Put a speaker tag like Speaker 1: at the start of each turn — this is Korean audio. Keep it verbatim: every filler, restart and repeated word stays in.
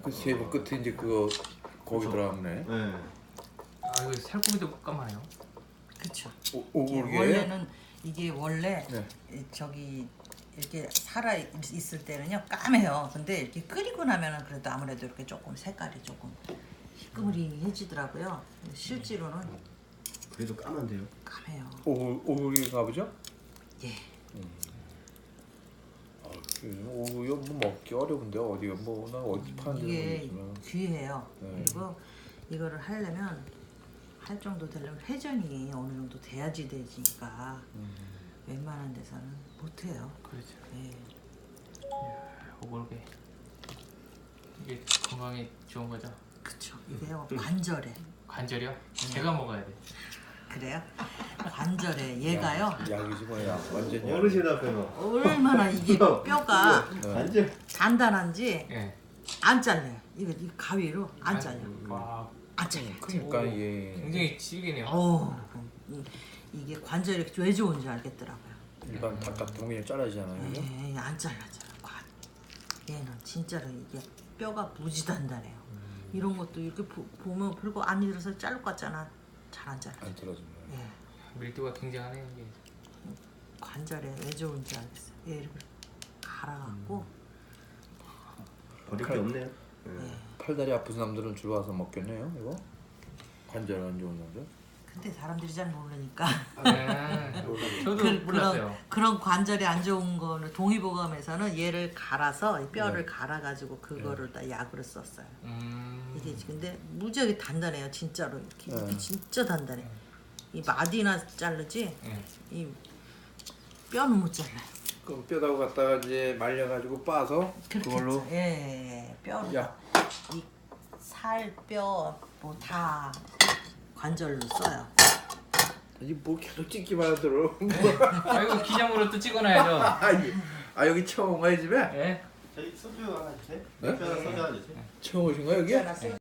Speaker 1: 그 세부 끝에 이제 그거 거기 들어갔네.
Speaker 2: 네.
Speaker 3: 아 이거 살코기도 볶아마요.
Speaker 4: 그쵸.
Speaker 1: 오,
Speaker 4: 이게
Speaker 1: 오골계.
Speaker 4: 원래는 이게 원래
Speaker 1: 네.
Speaker 4: 이- 저기 이렇게 살아 있- 있을 때는요 까매요. 근데 이렇게 끓이고 나면은 그래도 아무래도 이렇게 조금 색깔이 조금 희끄무리해지더라고요. 실제로는
Speaker 2: 그래도 까만데요.
Speaker 4: 까매요.
Speaker 1: 오 오골계인가 보죠?
Speaker 4: 예.
Speaker 1: 아, 오골계 뭐 먹기 어려운데 어디가 뭐나 어디 파는 데는
Speaker 4: 이게
Speaker 1: 모르겠지만.
Speaker 4: 귀해요.
Speaker 1: 네.
Speaker 4: 그리고 이거를 하려면 할 정도 되려면 회전이 어느 정도 돼야지 되니까
Speaker 1: 음.
Speaker 4: 웬만한 데서는 못해요.
Speaker 3: 그렇죠.
Speaker 4: 예.
Speaker 3: 오골계. 이게 건강에 좋은 거죠.
Speaker 4: 그쵸. 이게요 관절에
Speaker 3: 관절이요? 제가 먹어야 돼.
Speaker 4: 그래요? 관절에 얘가요
Speaker 1: 약, 약이지 뭐야. 완전 약.
Speaker 2: 어르신 앞에서
Speaker 4: 얼마나 이게 뼈가
Speaker 1: 네.
Speaker 2: 완전
Speaker 4: 단단한지
Speaker 3: 예.
Speaker 4: 안 잘려요. 이거 이 가위로 안 잘려.
Speaker 3: 와
Speaker 4: 안 잘려.
Speaker 1: 그러니까
Speaker 3: 오,
Speaker 1: 이게
Speaker 3: 굉장히 질기네요.
Speaker 4: 오, 이- 이게 관절이 왜 좋은지 알겠더라고요.
Speaker 1: 일반 닭 같은 거 그냥 잘라지잖아요. 그죠?
Speaker 4: 예, 안 잘라져요. 관. 얘는 진짜로 이게 뼈가 무지 단단해요. 이런 것도 이렇게 보, 보면 별거 안 일어서 자를 것 같잖아. 잘 안 잘라.
Speaker 1: 안 떨어지네.
Speaker 4: 예,
Speaker 3: 밀도가 굉장하네요 이게.
Speaker 4: 관절에 왜 좋은지 알겠어요. 얘 이렇게 갈아갖고
Speaker 2: 버릴 게 없네요. 네.
Speaker 1: 팔다리 아픈 사람들은 주로 와서 먹겠네요. 이거 관절 안 좋은 사람들.
Speaker 4: 근데 사람들이 잘 모르니까
Speaker 3: 네. 저도
Speaker 4: 그,
Speaker 3: 몰랐어요.
Speaker 4: 그런, 그런 관절이 안 좋은 거는 동의보감에서는 얘를 갈아서 이 뼈를
Speaker 1: 네.
Speaker 4: 갈아가지고 그거를 다 약으로 썼어요.
Speaker 3: 음.
Speaker 4: 이게 근데 무지하게 단단해요. 진짜로 이렇게,
Speaker 1: 네.
Speaker 4: 이게 진짜 단단해. 이 마디나 자르지
Speaker 3: 예.
Speaker 4: 이 뼈는 못 잘라요.
Speaker 1: 그럼 뼈다고 갖다가 이제 말려가지고 빠서
Speaker 4: 그렇게
Speaker 1: 그걸로
Speaker 4: 했죠. 예, 예, 예. 뼈,
Speaker 1: 약.
Speaker 4: 이 살, 뼈 뭐 다 관절로 써요.
Speaker 1: 이뭐 계속 찍기만 하더러.
Speaker 3: 아 이거 기념으로 또 찍어놔야죠.
Speaker 1: 아, 이- 아 여기 처음 온 거야 집에?
Speaker 3: 예.
Speaker 2: 저희 소주 하나 주세요.
Speaker 1: 네?
Speaker 2: 소주 하나 주세요.
Speaker 1: 처음 오신 거야 여기?
Speaker 4: 있잖아,